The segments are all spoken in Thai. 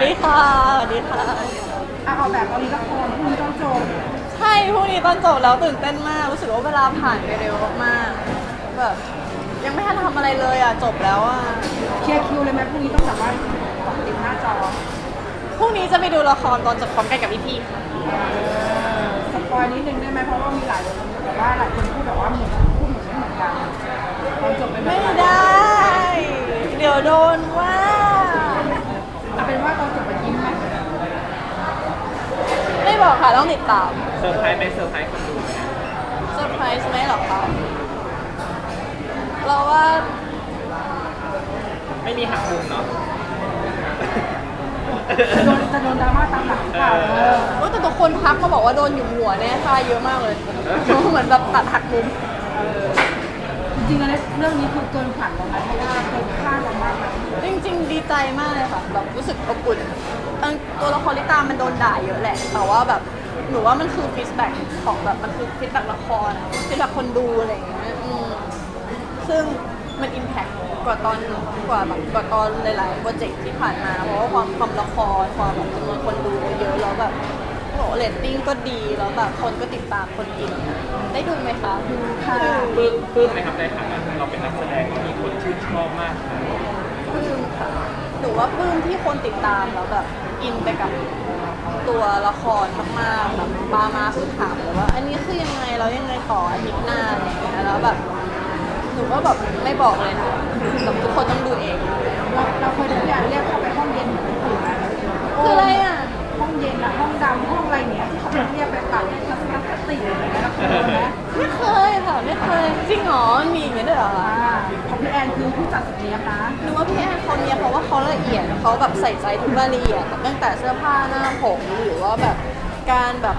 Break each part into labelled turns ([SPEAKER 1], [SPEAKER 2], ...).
[SPEAKER 1] ดีค่ะสวัสดีค่ะ
[SPEAKER 2] ออกแบบตอนนี้ละครพรุ่งนี้ต้องจบ
[SPEAKER 1] ใช่พรุ่งนี้ตอนจบแล้วตื่นเต้นมากรู้สึกว่าเวลาผ่านไปเร็วมากๆแบบยังไม่ทันทำอะไรเลยอ่ะจบแล้วอ่ะ
[SPEAKER 2] เคลียร์คิวเลยไหมพรุ่งนี้ต้องแบบว่าติดหน้าจอ
[SPEAKER 1] พรุ่งนี้จะไปดูละครตอนจบพร้อมกันกับพี่ๆค่ะ
[SPEAKER 2] สปอยนิดนึงได้ไหมเพราะว่ามีหลายคนแบบว่าหลายคนพูดแบบว่าเหมือนพูดเหมือนไม่เหมือนกันตอนจบเป็นแบบ
[SPEAKER 1] ไม่ได้ เดี๋ยวโดนว่า
[SPEAKER 2] เอาเป็นว่าตอนจบไปยิ้มไหม
[SPEAKER 1] ไม่บอกค่ะต้องติดตาม
[SPEAKER 3] เซอร์ไพรส์ไหมเซอร์ไพรส์คนดูไหม
[SPEAKER 1] เซอร์ไพรส์ไหมหรอคะเราว่า
[SPEAKER 3] ไม่มีหักมุมเนาะ
[SPEAKER 2] จะโดนดราม่าตามหลังหรือเปล่า
[SPEAKER 1] แต่ทุกคนทักมาบอกว่าโดนหยุมหัวแน่ค่ะเยอะมากเลยเหมือนแบบตัดหักมุม
[SPEAKER 2] จริงๆแล้วเรื่องนี้คือเกินฝันเราไหมเพราะว่าเกินคาดเรามากเลย
[SPEAKER 1] จริงๆดีใจมากเลยค่ะแบบรู้สึกอบอุ่นตัวละครลิตามันโดนด่าเยอะแหละแต่ว่าแบบหนูว่ามันคือฟีดแบ็กของแบบมันคือฟีดแบ็กละครฟีดแบ็กคนดูอะไรอย่างเงี้ยซึ่งมันอิมแพคกว่าตอนหลายๆโปรเจกต์ที่ผ่านมาเพราะว่าความละครความแบบจำนวนคนดูเยอะแล้วแบบโอ้เรตติ้งก็ดีแล้วแบบคนก็ติดตามคนอินได้ดูไหมคะดูค่ะ
[SPEAKER 3] ปลื้มไหมครับในฐานะเราเป็นนักแสดงเรามีคนชื่นชอบมากนะ
[SPEAKER 1] ปลื้มค่ะหนูว่าปลื้มที่คนติดตามแล้วแบบอินไปกับตัวละครมากๆแบบมาคือถามเลยว่าอันนี้คือยังไงเรายังไงต่ออาทิตย์หน้าอะไรอย่างเงี้ยแล้วแบบหนูก็แบบไม่บอกเลยนะแบบทุกคนต้องดูเอง
[SPEAKER 2] เราเคยได้เรียกเข้าไปห้องเย็นเหมือนคนอื่นไหม
[SPEAKER 1] คืออะไรอ่ะ
[SPEAKER 2] ห้องเย็นอะห้องดำห้องอะไรเนี้ยที่เขาเรียกไปปรับทัศนคติอะไรเงี้ยเราเคยไหม
[SPEAKER 1] ไม่เคยค่ะไม่เคยจริงเหรอมันมีอย่างนี้ด้วยเหรอคะ
[SPEAKER 2] ของพี่แอนคือผู้จัดเนี้ยนะ
[SPEAKER 1] หนูว่าพี่แอนเขาเนี่ยเพราะว่าเขาละเอียดเขาแบบใส่ใจทุกรายละเอียดตั้งแต่เสื้อผ้าหน้าผมหรือว่าแบบการแบบ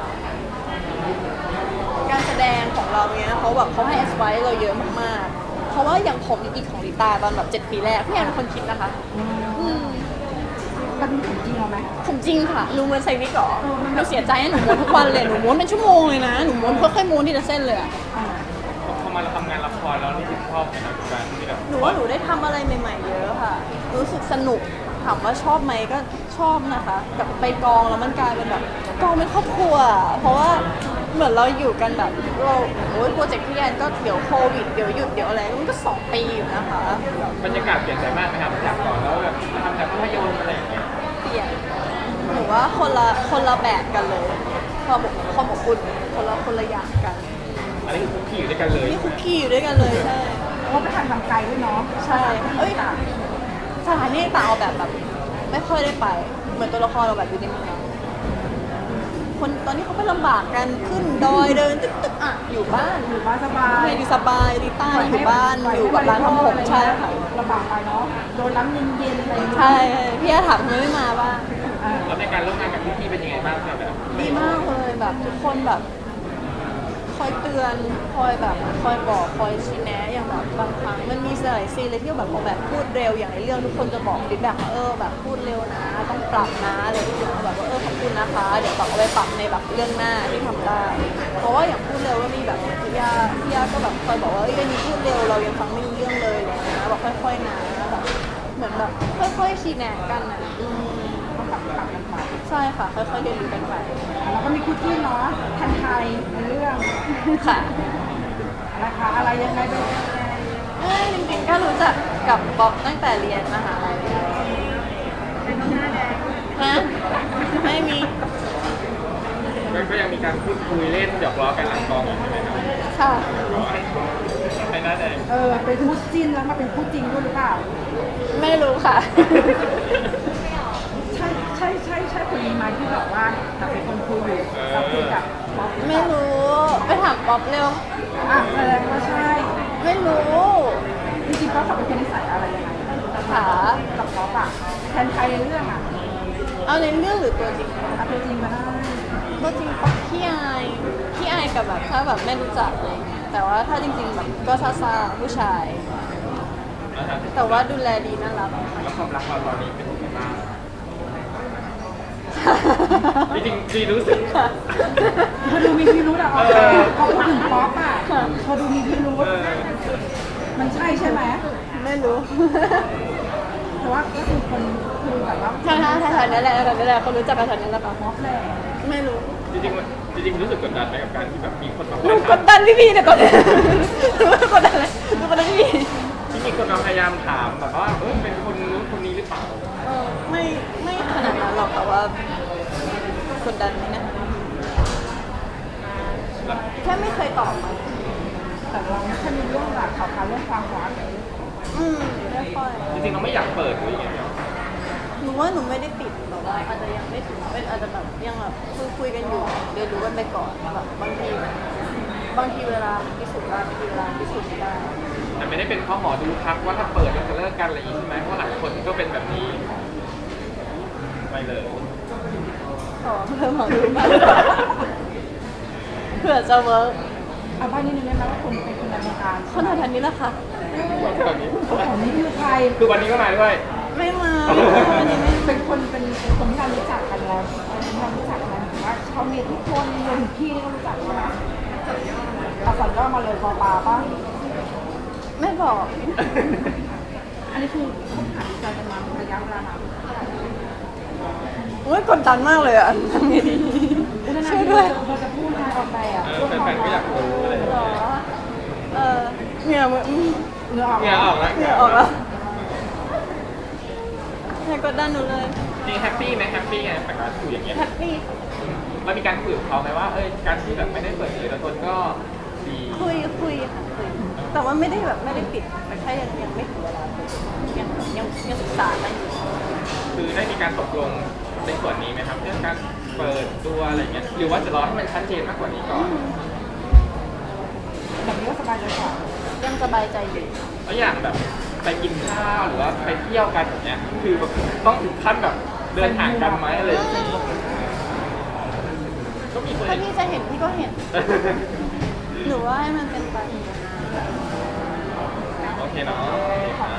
[SPEAKER 1] การแสดงของเราเนี้ยเขาแบบเขาให้ advice เราเยอะมากๆเพราะว่าอย่างผมอีกของลิตาตอนแบบ7 ปีแรกพี่แอนเป็นคนคิดนะคะม
[SPEAKER 2] มันมีของจริงเราไหม
[SPEAKER 1] ผมจริงค่ะรู้มันใส่วิกเหรอหนูเสียใจนะหนูม้วนทุกวันเลยหนูม้วนเป็นชั่วโมงเลยนะหนูม้วนค่อยๆม้วนทีละเส้นเลยอะ
[SPEAKER 3] พอมาเราทำงานละครแล้วรู้สึกชอบไหมครับการที่แบบ
[SPEAKER 1] หนูว่าหนูได้ทำอะไรใหม่ๆเยอะค่ะรู้สึกสนุกถามว่าชอบไหมก็ชอบนะคะกับไปกองแล้วมันกลายเป็นแบบกองเป็นครอบครัวเพราะว่าเหมือนเราอยู่กันแบบเราโอ้ยโปรเจกต์พี่แอนก็เดี๋ยวโควิดเดี๋ยวหยุดเดี๋ยวอะไรมันก็2 ปีอยู่นะคะ
[SPEAKER 3] บรรยากาศเปลี่ยนไปมากไหมครับจากก่อนแล้วแบบทำจากภาพยนตร์อะไรอย่างเงี้ย
[SPEAKER 1] เปลี่ยนหนูว่าคนละแบบกันเลยความอบอุ่นคนละอย่างกัน
[SPEAKER 3] อันนี้คือคุกกี้อยู่ด้วยกันเลย
[SPEAKER 1] นี่คุกกี้อยู่ด้วยกันเลยใช่
[SPEAKER 2] เพราะไปทำทางไกลด้วยเนาะ
[SPEAKER 1] ใช่เอ้ยสถานที่ต่างเอาแบบไม่ค่อยได้ไป เหมือนตัวละครเราแบบอยู่ในเมืองคนตอนนี้เขาไปลำบากกันขึ้นดอยเดินตึ๊กอ่ะอยู่บ้าน
[SPEAKER 2] อยู่บ้านสบาย
[SPEAKER 1] ให้ดีสบายดีใต้อยู่บ้านอยู่กับร้านทำผมใช่ค่ะ
[SPEAKER 2] ลำบากไปเนาะโดนน้ำเย็นๆอะไร
[SPEAKER 1] ใช่พี่อาถามทำไมไม่มาบ้าง
[SPEAKER 3] แล้วในการร่วมงานกับพี่ๆเป็นยังไงบ้างครับแบบ
[SPEAKER 1] ดีมากเลยแบบทุกคนแบบคอยเตือนคอยแบบคอยบอกคอยชี้แนะอย่างแบบบางครั้งมันมีหลายซีนเลยที่แบบพอแบบพูดเร็วอย่างในเรื่องทุกคนจะบอกฟีดแบ็กว่าแบบพูดเร็วนะต้องปรับนะอะไรทุกอย่างแบบว่าขอบคุณนะคะเดี๋ยวแบบเอาไปปรับในแบบเรื่องหน้าที่ทำได้เพราะว่าอย่างพูดเร็วก็มีแบบพี่ยาก็แบบคอยบอกว่าเรื่องนี้พูดเร็วเรายังฟังไม่รู้เรื่องเลยอะไรอย่างเงี้ยบอกค่อยๆนะแบบเหมือนแบบค่อยๆชี้แนะกันอ่ะ
[SPEAKER 2] ต้องปรับกันไป
[SPEAKER 1] ใช่ค่ะค่อยๆเรียนรู้กันไป
[SPEAKER 2] แล้วก็มีคู่จิ้นเนาะแทนไทยในเรื่อง
[SPEAKER 1] ค่ะ
[SPEAKER 2] นะคะอะไรยังไงเป็นยังไง
[SPEAKER 1] จริงๆก็รู้จักกับป๊อกตั้งแต่เรียนมหาลัยเลย
[SPEAKER 2] เป็นหน้าแดง
[SPEAKER 1] ฮะไม่มี
[SPEAKER 3] ก็ยังมีการพูดคุยเล่นหยอกล้อกันหลังกองอยู่ใช่ไหมครับ
[SPEAKER 1] ค่ะ
[SPEAKER 3] ไอ้หน้าแดง
[SPEAKER 2] เป็นคู่จิ้นแล้วมาเป็นคู่จริงด้วยหรือเปล่า
[SPEAKER 1] ไม่รู้ค่ะ
[SPEAKER 2] ใช่คนนี้ไหมที่บอกว่าเราเป็นคนคุยอยู่เราคุยกับป๊อป
[SPEAKER 1] ไม่รู้ไปถามป๊อปเร็ว
[SPEAKER 2] แสดงว่าใช่
[SPEAKER 1] ไม่รู้
[SPEAKER 2] จริงๆป๊อปเขาเป็นคนนิสัยอะไรยังไง
[SPEAKER 1] ค่ะ
[SPEAKER 2] กับป๊อปอะแทนไทยในเรื่องอะ
[SPEAKER 1] เอาในเรื่องหรือตัวจริง
[SPEAKER 2] เอาตัวจริงมาได้
[SPEAKER 1] ตัวจริงป๊อกขี้อายกับแบบถ้าแบบไม่รู้จักอะไรเงี้ยแต่ว่าถ้าจริงๆแบบก็ซ่าๆผู้ชาย
[SPEAKER 3] นะฮะ
[SPEAKER 1] แต่ว่าดูแลดีน่ารัก
[SPEAKER 3] แล้วความรักเราตอนนี้เป็นยังไงบ้างจริงๆดีรู้สึก
[SPEAKER 2] เธอดูมีพิรุธอะพอพูดถึงป๊อปอะเธอดูมีพิรุธมันใช่ไหม
[SPEAKER 1] ไม่รู้
[SPEAKER 2] แต่ว่าก็คือคนคือแบบว่า
[SPEAKER 1] ใช่ใช่ใช่นี่แหละนี่แหละเขารู้จักกันแถวนี้แหละค่ะ
[SPEAKER 2] ม็อบแหละ
[SPEAKER 1] ไม่รู้
[SPEAKER 3] จริงๆจริงๆรู้สึกกดดันไหมกับการที่แบบมีคนมา
[SPEAKER 1] หนูกดดันพี่เนี่ยกดดันหนูไม่กดดันเลยหนูกดดันพี่
[SPEAKER 3] ที่มีคนมาพยายามถามแบบว่าเป็นคนนู้นคนนี้หรือเปล่า
[SPEAKER 1] ไม่ขนาดนั้นหรอกแต่ว่ากดดันไหมนะ
[SPEAKER 3] แบบ
[SPEAKER 1] แค่ไม่เคยตอบมา
[SPEAKER 2] แต่เราไม่ค่อยมีเรื่องแบบข่าวเรื่องความรัก
[SPEAKER 1] ไม่ค่อย
[SPEAKER 3] จริงๆเราไม่อยากเปิดหรือยังไงเนี่ย
[SPEAKER 1] หนูว่าหนูไม่ได้ปิดแต่ว่าอาจจะยังไม่ถึงเป็นอาจจะแบบยังแบบคุยกันอยู่เรียนรู้กันไปก่อนแบบบางทีเวลาพิสูจน์ได้บางทีเวลาพิสูจน์ไม่ได้
[SPEAKER 3] แต่ไม่ได้เป็นข้อหมอดูทักว่าถ้าเปิดเราจะเลิกกันอะไรอย่างนี้ใช่ไหมเพราะหลายคนก็เป็นแบบนี้ไม่เลย
[SPEAKER 1] ขอเพิ่มหมอดูบ้างเผื่อจะเวิร์ก
[SPEAKER 2] เอาบ้านนิดนึงได้ไหมว่าคนเป็นคนในวงการ
[SPEAKER 1] คนแถวๆนี้แหละค่ะ
[SPEAKER 3] แบบนี้
[SPEAKER 2] ของนี้คือใคร
[SPEAKER 3] คือวันนี้ก็มาด้วย
[SPEAKER 1] ไม่มาวันนี้ไม่
[SPEAKER 2] เป็นคนที่เรารู้จักกันแล้วที่เรารู้จักกันหรือว่าเขามีทุกคนรวมถึงพี่นี่ก็รู้จักกันนะเอาสัญญามาเลยปอปาป่ะ
[SPEAKER 1] ไม่บอก
[SPEAKER 2] อันนี้คือคบหาดูใจกันมาระยะเวลานาน
[SPEAKER 1] โอ้ยกดดันมากเลยอ่ะทำไงดีช่วยด้วย
[SPEAKER 2] เราจะพูดงานออกไปอ่ะ
[SPEAKER 3] แฟนๆก็อยากรู้อะไรอย่าง
[SPEAKER 1] หร
[SPEAKER 3] เงี้ย
[SPEAKER 1] อเหงื่อมือ
[SPEAKER 2] เนื้อออก
[SPEAKER 3] เนี่ยออกแล้ว
[SPEAKER 1] เหงื่อออกแล้วอย่ากดดันหนูเลย
[SPEAKER 3] จริงแฮปปี้ไหมแฮปปี้ไงแต่การคุยอย่างเงี้ย
[SPEAKER 1] แฮปปี้
[SPEAKER 3] เรามีการคุยกับเขาไหมว่าการที่แบบไม่ได้เปิดเผยตัวตนก็ดี
[SPEAKER 1] คุยค่ะคุยแต่ว่าไม่ได้แบบไม่ได้ปิดแต่แค่ยังไม่ถึงเวลาคุยยังศึกษากันอยู่
[SPEAKER 3] คือได้มีการตกลงในส่วนนี้ไหมครับเรื่องการเปิดตัวอะไรเงี้ยหรือว่าจะรอให้มันชัดเจนมากกว่านี้ก่อน
[SPEAKER 2] แบบนี้ก็สบายใจกว่า
[SPEAKER 1] ยังสบายใจอยู่
[SPEAKER 3] แล้วอย่างแบบไปกินข้าวหรือว่าไปเที่ยวกันอย่างเงี้ยคือแบบต้องถึงขั้นแบบเดินห่างกันไหมอะไรอย่างเงี้ยก็มีคน
[SPEAKER 1] ถ้าพี่จะเห็นพี่ก็เห็นหนูว่าให้มันเป็นไป
[SPEAKER 3] โอเคเนาะ
[SPEAKER 2] ขอบ